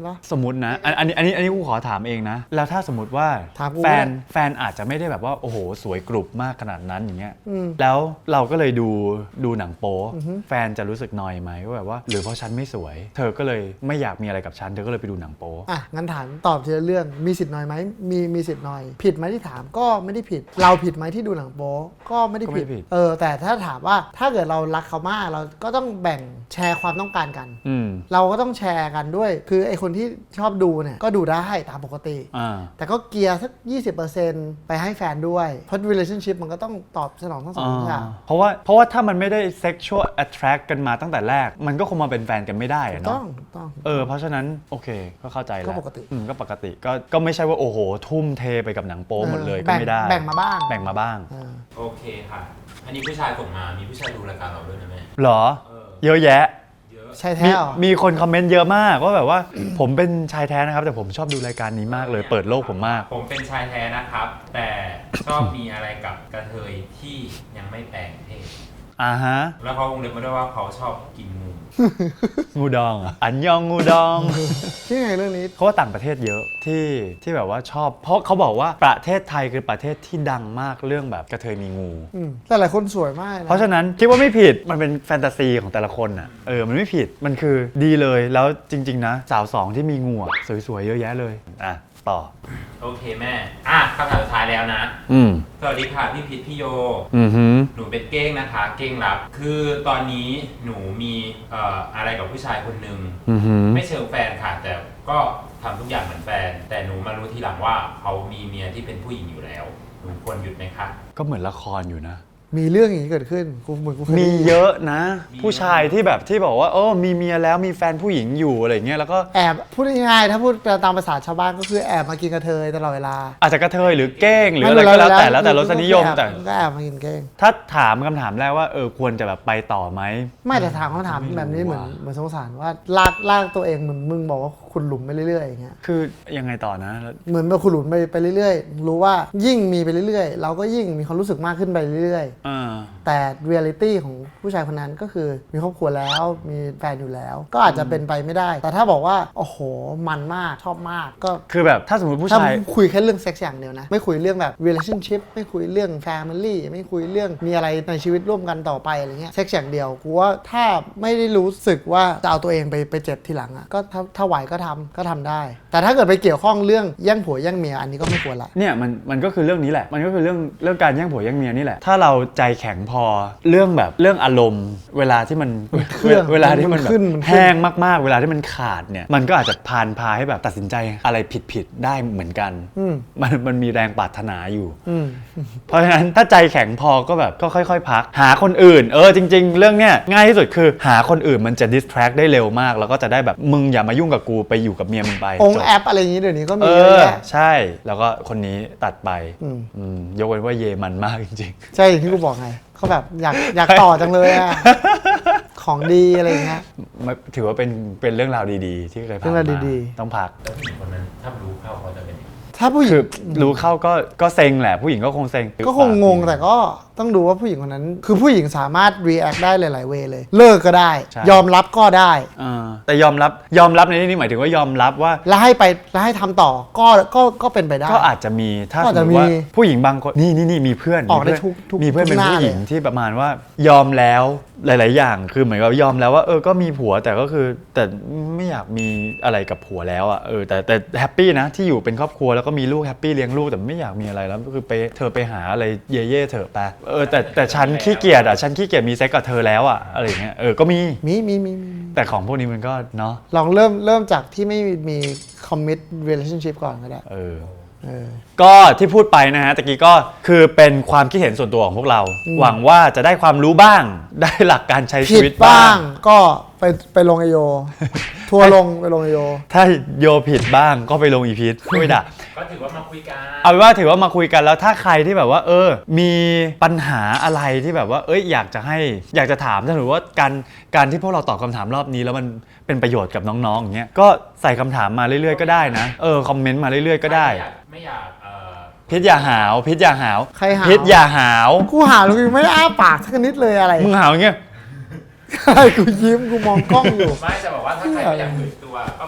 Speaker 2: ปะ
Speaker 1: สมมตินะอันอันนี้อันนี้อันนี้กูขอถามเองนะ แล้วถ้าสมมติว่า
Speaker 2: ถามกู
Speaker 1: แฟน
Speaker 2: ก็ได้
Speaker 1: แฟนอาจจะไม่ได้แบบว่าโอ้โหสวยกรุบมากขนาดนั้นอย่างเงี้ย
Speaker 2: อืม
Speaker 1: แล้วเราก็เลยดูดูหนังโป๊
Speaker 2: อือฮึ
Speaker 1: แฟนจะรู้สึกนอยไหมว่าแบบว่าหรือเพราะฉันไม่สวย เธอก็เลยไม่อยากมีอะไรกับฉันเธอก็เลยไปดูหนังโป๊
Speaker 2: อ่ะงั้นถามตอบทีละเรื่องมีสิทธิ์น้อยไหมมีมีสิทธิ์น้อย ผิดไหมที่ถามก็ไม่ได้ผิด เราผิดไหมที่ดูหนังโป๊ก็ไม่ได้
Speaker 1: ก็ไม่
Speaker 2: ผิด
Speaker 1: ผิด
Speaker 2: เออแต่ถ้าถามว่าถ้าเกิดเรารักเขามากเราก็ต้องแบ่งแชร์ความต้องการกัน
Speaker 1: อืม
Speaker 2: เราก็ต้องแชร์กันด้วย คือไอคนที่ชอบดูเนี่ยก็ดูได้ตามปกติ
Speaker 1: อ่า
Speaker 2: แต่ก็เกียร์สัก ยี่สิบเปอร์เซ็นต์ ไปให้แฟนด้วย เพราะ relationship มันก็ต้องตอบสนองทั้งสองอย่าง
Speaker 1: เพราะว่าเพราะว่าถ้ามันไม่ได้ sexual attract กันมาตั้งแต่แรก มันก็คงมาเป็นแฟนกันไม่ได้อะ
Speaker 2: ต้อ
Speaker 1: เนาะ
Speaker 2: งต้อง
Speaker 1: เออเพราะฉะนั้นโอเคก็เข้าใจแล้ว
Speaker 2: ก็ปกติ
Speaker 1: อืมก็ปกติก็ก็ไม่ใช่ว่าโอ้โห ทุ่มเทไปกับหนังโป๊หมดเลย
Speaker 2: เออ
Speaker 1: ก็ไม่ได้
Speaker 2: แบ่งมาบ้าง
Speaker 1: แบ่งมาบ้าง
Speaker 2: เออ
Speaker 3: โอเคค่ะ อันนี้ผู้ชายส่งมา มีผู้ชายดูรายการเราด้วยนะแม่
Speaker 1: เหรอ
Speaker 3: เออ
Speaker 1: เยอะแยะ
Speaker 3: เยอะ
Speaker 2: ใช่
Speaker 1: มี
Speaker 2: แท้เหรอ
Speaker 1: มีคนคอมเมนต์เยอะมากว่าแบบว่า ผมเป็นชายแท้นะครับ แต่ผมชอบดูรายการนี้มากเลย เปิดโลกผมมาก
Speaker 3: ผมเป็นชายแท้นะครับ แต่ชอบมีอะไรกับกระเทยที่ยังไม่แปลงเพศ
Speaker 1: อ่าฮะ
Speaker 3: แล้วเขาวงเล็บมาด้วยว่าเขาชอบกินงู
Speaker 1: งูดองเหรอ่ะอันยองงูดอง
Speaker 2: ที่ไงเรื่องนี้
Speaker 1: เขาว่าต่างประเทศเยอะที่ที่แบบว่าชอบ เพราะเขาบอกว่าประเทศไทยคือประเทศที่ดังมากเรื่องแบบกระเทยมีงู
Speaker 2: อืมแต่หลายคนสวยมากนะ
Speaker 1: เพราะฉะนั้นคิดว่าไม่ผิดมันเป็นแฟนตาซีของแต่ละคนอ่ะเออมันไม่ผิดมันคือดีเลยแล้วจริง ๆ นะ สาวสองที่มีงูอะสวยๆเยอะแยะเลยอ่ะต่อ
Speaker 3: โอเคแม่ อ่ะคำถามสุดท้ายแล้วนะ
Speaker 1: อืม
Speaker 3: สวัสดีค่ะพี่พิษพี่โย
Speaker 1: อือหือ
Speaker 3: หนูเป็นเก้งนะคะ เก้งรับ คือตอนนี้หนูมีเอ่ออะไรกับผู้ชายคนหนึ่ง
Speaker 1: อือหือ
Speaker 3: ไม่เชิงแฟนค่ะ แต่ก็ทำทุกอย่างเหมือนแฟน แต่หนูมารู้ทีหลังว่าเขามีเมียที่เป็นผู้หญิงอยู่แล้ว หนูควรหยุดไหมคะ
Speaker 1: ก็เหมือนละครอยู่นะ
Speaker 2: มีเรื่องอย่างนี้เกิดขึ้นกูเหมือนกูเคย
Speaker 1: มี
Speaker 2: ได้ยิน
Speaker 1: เยอะนะ
Speaker 3: มี
Speaker 1: ผู้ชายที่แบบที่บอกว่าโอ้มีเมียแล้วมีแฟนผู้หญิงอยู่อะไรเงี้ยแล้วก็
Speaker 2: แอบพูดง่ายๆถ้าพูดตามภาษาชาวบ้านก็คือแอบมากินกระเทยตลอดเวลา
Speaker 1: อาจจะกระเทยหรือเก้งหรืออะไรก็แล้วแต่แล้วแต่รสนิยมแต่
Speaker 2: ก็แอบมากินเก้ง
Speaker 1: ถ้าถามคำถามแรกว่าเออควรจะแบบไปต่อไหม
Speaker 2: ไม่แต่ถามคำถาม
Speaker 1: ไม่รู้
Speaker 2: แบบนี้เหมือน
Speaker 1: ว่ะ
Speaker 2: เหมือนสงสารว่าลากลากตัวเองเหมือนมึงบอกว่าคุณหลุมไปเรื่อยๆอย่างเงี้ย
Speaker 1: คือยังไงต่อนะแล้ว
Speaker 2: เหมือนแบบคุณหลุมไปไปเรื่อยๆ รู้ว่ายิ่งมีไปเรื่อยๆ เราก็ยิ่งมีความรู้สึกมากขึ้นไปเรื่อย
Speaker 1: อ่า
Speaker 2: ๆ แต่เรียลิตี้ของผู้ชายคนนั้นก็คือมีครอบครัวแล้วมีแฟนอยู่แล้ว ก็อาจจะเป็นไปไม่ได้ แต่ถ้าบอกว่าโอ้โหมันมากชอบมากก็
Speaker 1: คือแบบถ้าสมมติผู้
Speaker 2: ถ้า
Speaker 1: ชาย
Speaker 2: คุยแค่เรื่องเซ็กซ์อย่างเดียวนะ ไม่คุยเรื่องแบบ relationship ไม่คุยเรื่อง family ไม่คุยเรื่องมีอะไรในชีวิตร่วมกันต่อไปอะไรเงี้ยเซ็กซ์อย่างเดียวกูว่าถ้าไม่ได้รู้สึกว่าจะเอาตัวเองไปไปเจ็บทีหลังอ่ะก็ถ้าถ้าไหวก็ทำก็ทำได้ แต่ถ้าเกิดไปเกี่ยวข้องเรื่องแย่งผัวแย่งเมียอันนี้ก็ไม่ควรละ
Speaker 1: เนี่ยมันมันก็คือเรื่องนี้แหละ มันก็คือเรื่องเรื่องการแย่งผัวแย่งเมียนี่แหละ ถ้าเราใจแข็งพอเรื่องแบบเรื่องอารมณ์ เวลาที่มัน
Speaker 2: เครื่อง
Speaker 1: เวลาที่มัน
Speaker 2: มัน
Speaker 1: แบบ
Speaker 2: ขึ้นมันขึ้น
Speaker 1: แห้งมากๆ เวลาที่มันขาดเนี่ยมันก็อาจจะพานพาให้แบบตัดสินใจอะไรผิดๆได้เหมือนกัน
Speaker 2: อืม
Speaker 1: มันมันมีแรงปรารถนาอยู่
Speaker 2: อืม
Speaker 1: เพราะฉะนั้นถ้าใจแข็งพอก็แบบก็ค่อยๆ พัก หาคนอื่น เออจริง ๆ เรื่องเนี้ยง่ายที่สุดคือหาคนอื่นมันจะ distract ได้เร็วมาก แล้วก็จะได้แบบมึงอย่ามายุ่งกับกูไปอยู่กับเมียมึงไป
Speaker 2: อง
Speaker 1: จ
Speaker 2: ค์
Speaker 1: บ
Speaker 2: แอปอะไรอย่างนี้เดี๋ยวนี้ก็
Speaker 1: เอ
Speaker 2: มีเยอะ
Speaker 1: อ
Speaker 2: แยะ
Speaker 1: ใช่ แล้วก็คนนี้ตัดไป
Speaker 2: อืม
Speaker 1: อืมยกเว้นว่าเยมันมากจริง
Speaker 2: ใช่อย่างที่กูบอกไงเขาแบบอยากอยากต่อจังเลยอะ ของดีอะไรอย่างเงี้ย
Speaker 1: ๆมันถือว่าเป็นเป็นเรื่องราวดีๆ ที่เคยผ่าน
Speaker 2: เรื่องราว
Speaker 1: มา
Speaker 2: ดี
Speaker 1: ต้องพัก
Speaker 3: แล้วผู้หญิงคนนั้นถ้ารู้เข้าเขาจะเป็นยังไง
Speaker 2: ถ้าผู้หญิ
Speaker 1: คื
Speaker 2: ง
Speaker 1: อรู้เข้าก็ก็เซ็งแหละ ผู้หญิงก็คงเซ็ง
Speaker 2: ก็คงงงแต่ก็ต้องดูว่าผู้หญิงคนนั้น คือผู้หญิงสามารถ react ได้หลาย ๆ เวย์เลย เลิกก็ได้
Speaker 1: ใช่
Speaker 2: ยอมรับก็ได้
Speaker 1: เออแต่ยอมรับยอมรับในที่นี้หมายถึงว่ายอมรับว่า
Speaker 2: แล้วให้ไปแล้วให้ทำต่อก็ก็ก็เป็นไปได้
Speaker 1: ก็อาจจะมีถ้า
Speaker 2: ก็
Speaker 1: ส
Speaker 2: อาจ
Speaker 1: ม
Speaker 2: จะ
Speaker 1: มติว่า
Speaker 2: มี
Speaker 1: ผู้หญิงบางคนนี่นี่นี่มีเพื่อน
Speaker 2: ออกได้
Speaker 1: มีเพื่น
Speaker 2: ทุกทุก
Speaker 1: มีเพื่อนเป็น
Speaker 2: ทุกหน้า
Speaker 1: ผู้หญิง
Speaker 2: เลย
Speaker 1: ที่ประมาณว่ายอมแล้วหลาย ๆ อย่างคือเหมือนกับยอมแล้วว่าเออก็มีผัวแต่ก็คือแต่ไม่อยากมีอะไรกับผัวแล้วอ่ะเออแต่แต่แฮปปี้นะที่อยู่เป็นครอบครัวแล้วก็มีลูกแฮปปี้เลี้ยงลูกแต่ไม่อยากมีอะไรแล้วก็คือไปเธอไปหาอะไรเย่เย่ๆเถอะไปเออแต่แต่ฉันขี้เกียจอ่ะฉันขี้เกียจมีเซ็กกับเธอแล้วอ่ะอะไรอย่างเงี้ยเออก็มี
Speaker 2: มีมีมีมี
Speaker 1: แต่ของพวกนี้มันก็เนาะ
Speaker 2: ลองเริ่มเริ่มจากที่ไม่มี commit relationship ก่อนก็ได้
Speaker 1: เออ
Speaker 2: เออ
Speaker 1: ก็ที่พูดไปนะฮะตะกี้ก็คือเป็นความคิดเห็นส่วนตัวของพวกเรา หวังว่าจะได้ความรู้บ้าง ได้หลักการใช้ชี
Speaker 2: ผิด
Speaker 1: วิต
Speaker 2: บ้า
Speaker 1: บ้าง ง
Speaker 2: ก็ไปไปลงไอโย ทัวร์ลงไปลงไอโย
Speaker 1: ถ้าโยผิดบ้างก็ไปลงอีพีทไม่ด่า
Speaker 3: ก็ถือว่ามาคุยกัน
Speaker 1: เอาเป็นว่าถือว่ามาคุยกันแล้วถ้าใครที่แบบว่า เออ มีปัญหาอะไรที่แบบว่า เอ้ยอยากจะให้อยากจะถามถ้าถือว่าการการที่พวกเราตอบคำถามรอบนี้แล้วมันเป็นประโยชน์กับน้องๆอย่างเงี้ยก็ใส่คำถามมาเรื่อยๆก็ได้นะเออคอมเมนต์มาเรื่อยๆก็ได้
Speaker 3: ไม่อยากไม่อยากเอ่อ
Speaker 1: พิษอย่าหาวพิษอย่าหาว
Speaker 2: ใครหาว
Speaker 1: พิษอย่าหาว
Speaker 2: กูหาลูกยังไม่ได้อ้าปากสักนิดเลยอะไร
Speaker 1: มึงหาวอย่างเงี้ย
Speaker 2: กูยิ้มกูมองกล้องอยู่
Speaker 3: ไม่จะบอกว่าถ้าใครไม่อยากเผยตัวก็แบบพิ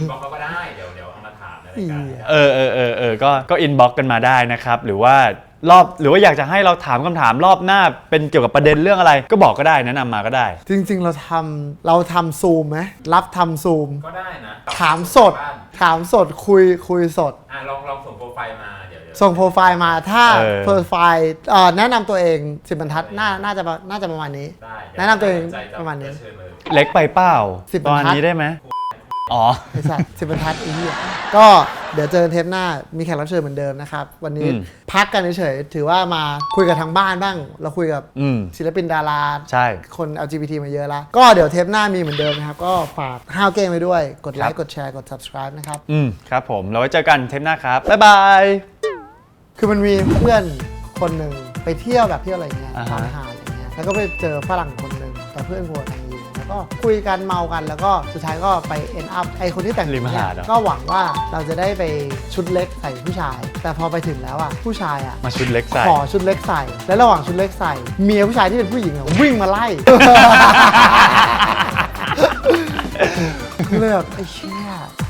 Speaker 3: อินบ็อกซ์เขาก็ได้เดี๋ยวเดี๋ยวเอามาถามในรายการ
Speaker 1: เออเออเออเออก็ก็อินบ็อกกันมาได้นะครับหรือว่ารอบหรือว่าอยากจะให้เราถามคำถามรอบหน้าเป็นเกี่ยวกับประเด็นเรื่องอะไร ก็บอกก็ได้แนะนำมาก็ได้
Speaker 2: จริงๆเราทำเราทำซูมไหมรับทำซูม
Speaker 3: ก็ได้นะ
Speaker 2: ถามสด ถามสดคุยคุยสด
Speaker 3: อ่ะลองลองส่งโปรไฟล์มาเดี๋ยวเดี๋ยว
Speaker 2: ส่งโปรไฟล์มาถ้า
Speaker 1: เออ
Speaker 2: โปรไฟล์เอ่อแนะนำตัวเองสิบบรรทัดน่าน่าจะน่าจะประมาณนี้
Speaker 3: ได้
Speaker 2: แนะนำตัวเอง
Speaker 3: ใจจ
Speaker 2: ประมาณนี้
Speaker 3: เชิญเลย
Speaker 1: เล็กไปเปล่า
Speaker 2: สิบ
Speaker 1: ตอน
Speaker 2: บรรทัด
Speaker 1: นี้ได้ไหมอ๋อ
Speaker 2: ไอ้สัตว์สิบบรรทัดไอ้เหี้ยก็เดี๋ยวเจอเทปหน้ามีแขกรับเชิญเหมือนเดิมนะครับ วันนี้
Speaker 1: อืม
Speaker 2: พักกันเฉยๆถือว่ามาคุยกับทางบ้านบ้าง เราคุยกับ
Speaker 1: อืม
Speaker 2: ศิลปินดารา
Speaker 1: ใช่
Speaker 2: คน แอล จี บี ที มาเยอะแล้ว ก็เดี๋ยวเทปหน้ามีเหมือนเดิมนะครับ ก็ฝากห้าวเก้งไว้ด้วย กดไล
Speaker 1: ครั
Speaker 2: ค์
Speaker 1: บ
Speaker 2: กดแชร์ กด subscribe นะครับ
Speaker 1: อืมครับผมเราไว้เจอกันเทปหน้าครับบ๊ายบาย
Speaker 2: คือมันมีเพื่อนคนหนึ่งไปเที่ยวแบบเที่ยวอะไรเงี้ย
Speaker 1: อ่าฮะ
Speaker 2: ตามหาดอะไรเงี้ยแล้วก็ไปเจอฝรั่งคนหนึ่งแต่เพื่อนหัวทางยิงแล้วก็คุยกันเมากันแล้วก็สุดท้ายก็ไป end up ไอคนที่แต่ง
Speaker 1: ริม
Speaker 2: เนี่
Speaker 1: หาย ดเหรอ
Speaker 2: ก็หวังว่าเราจะได้ไปชุดเล็กใส่ผู้ชาย แต่พอไปถึงแล้วอ่ะผู้ชายอ่ะ
Speaker 1: มาชุดเล็กใส่
Speaker 2: ขอชุดเล็กใส่ และระหว่างชุดเล็กใส่ เมียผู้ชายที่เป็นผู้หญิงอ่ะวิ่งมาไล่ เลยแบบไอ้เชี่ย